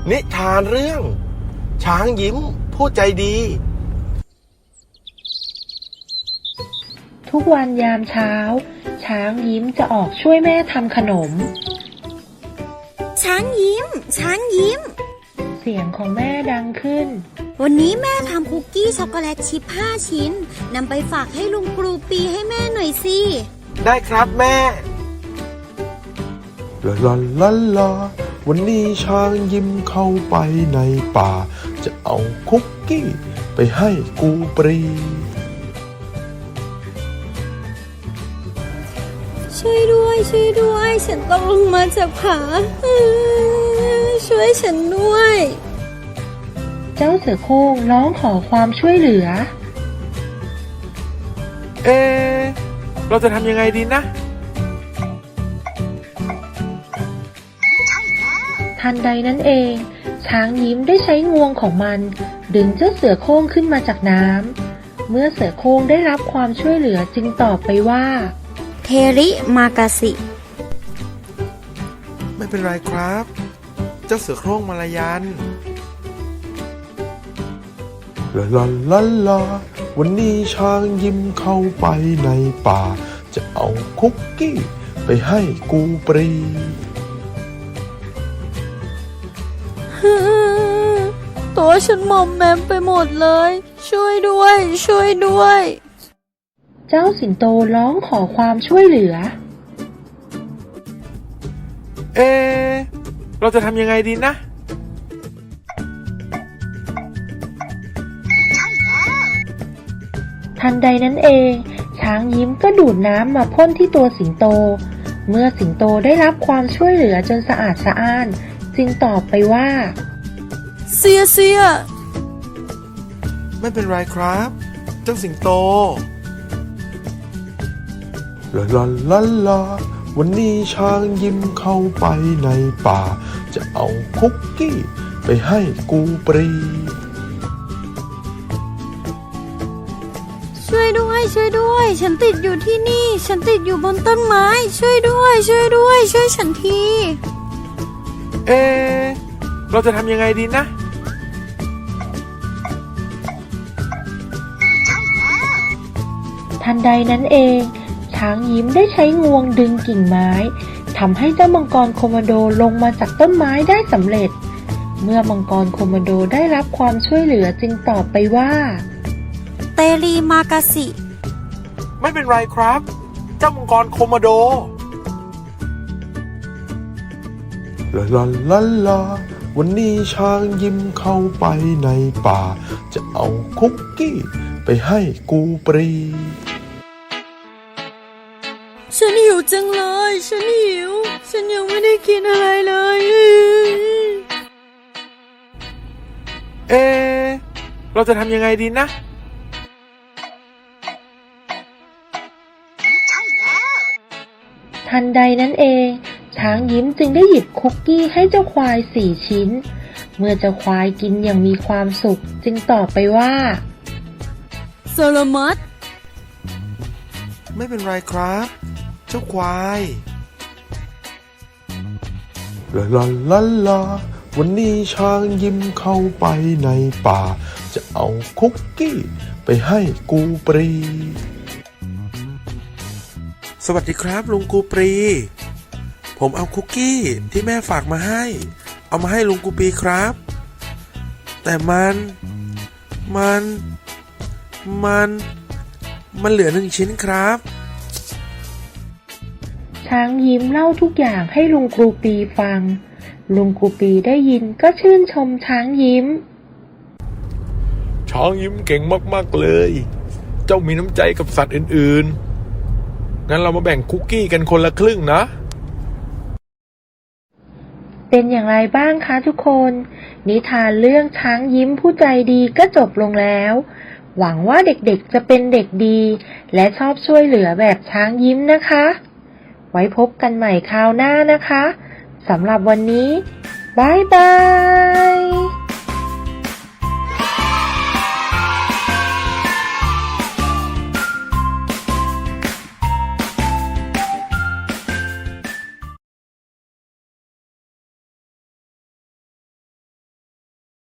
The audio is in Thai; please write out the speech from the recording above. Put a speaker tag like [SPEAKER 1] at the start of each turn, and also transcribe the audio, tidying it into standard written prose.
[SPEAKER 1] นิทานเรื่องช้างยิ้มผู้ใจดี
[SPEAKER 2] ทุกวันยามเช้าช้างยิ้มจะออกช่วยแม่ทำขนม
[SPEAKER 3] ช้างยิ้มช้างยิ้ม
[SPEAKER 2] เสียงของแม่ดังขึ้น
[SPEAKER 3] วันนี้แม่ทำคุกกี้ช็อกโกแลตชิพ5 ชิ้นนำไปฝากให้ลุงครูปีให้แม่หน่อยสิ
[SPEAKER 1] ได้ครับแม่
[SPEAKER 4] ลาลาลาลาวันนี้ช้างยิ้มเข้าไปในป่าจะเอาคุกกี้ไปให้กูปรี
[SPEAKER 3] ช่วยด้วยช่วยด้วยฉันต้องลงมาจากผาช่วยฉันด้วย
[SPEAKER 2] เจ้าเสือโคร่งร้องขอความช่วยเหลือ
[SPEAKER 1] เราจะทำยังไงดีนะ
[SPEAKER 2] ทันใดนั้นเองช้างยิ้มได้ใช้งวงของมันดึงเจ้าเสือโคร่งขึ้นมาจากน้ำเมื่อเสือโคร่งได้รับความช่วยเหลือจึงตอบไปว่า
[SPEAKER 3] เทริมากาสิ
[SPEAKER 1] ไม่เป็นไรครับเจ้าเสือโคร่งมาลายัน
[SPEAKER 4] ลาลาลาลาวันนี้ช้างยิ้มเข้าไปในป่าจะเอาคุกกี้ไปให้กูปรี
[SPEAKER 3] ตัวฉันหม่อมแมมไปหมดเลยช่วยด้วยช่วยด้วย
[SPEAKER 2] เจ้าสิงโตร้องขอความช่วยเหลือ
[SPEAKER 1] เราจะทำยังไงดีนะ
[SPEAKER 2] ทันใดนั้นเองช้างยิ้มก็ดูดน้ำมาพ่นที่ตัวสิงโตเมื่อสิงโตได้รับความช่วยเหลือจนสะอาดสะอ้านจึงตอบไปว่า
[SPEAKER 3] เสีย
[SPEAKER 1] ไม่เป็นไรครับเจ้าสิงโต
[SPEAKER 4] ลาลาลาลาวันนี้ช้างยิ้มเข้าไปในป่าจะเอาคุกกี้ไปให้กูปรี
[SPEAKER 3] ช่วยด้วยช่วยด้วยฉันติดอยู่ที่นี่ฉันติดอยู่บนต้นไม้ช่วยด้วยช่วยด้วยช่วยฉันที
[SPEAKER 1] เราจะทำยังไงดีนะ
[SPEAKER 2] ทันใดนั้นเองช้างยิ้มได้ใช้งวงดึงกิ่งไม้ทำให้เจ้ามังกรโคโมโดลงมาจากต้นไม้ได้สำเร็จเมื่อมังกรโคโมโดได้รับความช่วยเหลือจึงตอบไปว่า
[SPEAKER 3] เตรีมากาสิ
[SPEAKER 1] ไม่เป็นไรครับเจ้ามังกรโคโมโด
[SPEAKER 4] ลาลาลาลาวันนี้ช้างยิ้มเข้าไปในป่าจะเอาคุกกี้ไปให้กูปรี
[SPEAKER 3] ฉันหิวจังเลยฉันหิวฉันยังไม่ได้กินอะไรเลย
[SPEAKER 1] เราจะทำยังไงดีนะ
[SPEAKER 2] ทันใดนั้นเองช้างยิ้มจึงได้หยิบคุกกี้ให้เจ้าควาย4 ชิ้นเมื่อเจ้าควายกินอย่างมีความสุขจึงตอบไปว่า
[SPEAKER 3] สลามัต
[SPEAKER 1] ไม่เป็นไรครับเจ้าควาย
[SPEAKER 4] ลาลาลาลาวันนี้ช้างยิ้มเข้าไปในป่าจะเอาคุกกี้ไปให้กูปรี
[SPEAKER 1] สวัสดีครับลุงกูปรีผมเอาคุกกี้ที่แม่ฝากมาให้เอามาให้ลุงกูปรีครับแต่มันเหลือ1 ชิ้นครับ
[SPEAKER 2] ช้างยิ้มเล่าทุกอย่างให้ลุงกูปีฟังลุงกูปีได้ยินก็ชื่นชมช้างยิ้ม
[SPEAKER 4] ช้างยิ้มเก่งมากๆเลยเจ้ามีน้ำใจกับสัตว์อื่นๆงั้นเรามาแบ่งคุกกี้กันคนละครึ่งนะ
[SPEAKER 2] เป็นอย่างไรบ้างคะทุกคนนิทานเรื่องช้างยิ้มผู้ใจดีก็จบลงแล้วหวังว่าเด็กๆจะเป็นเด็กดีและชอบช่วยเหลือแบบช้างยิ้มนะคะไว้พบกันใหม่คราวหน้านะคะสำหรับวันนี้บ๊ายบาย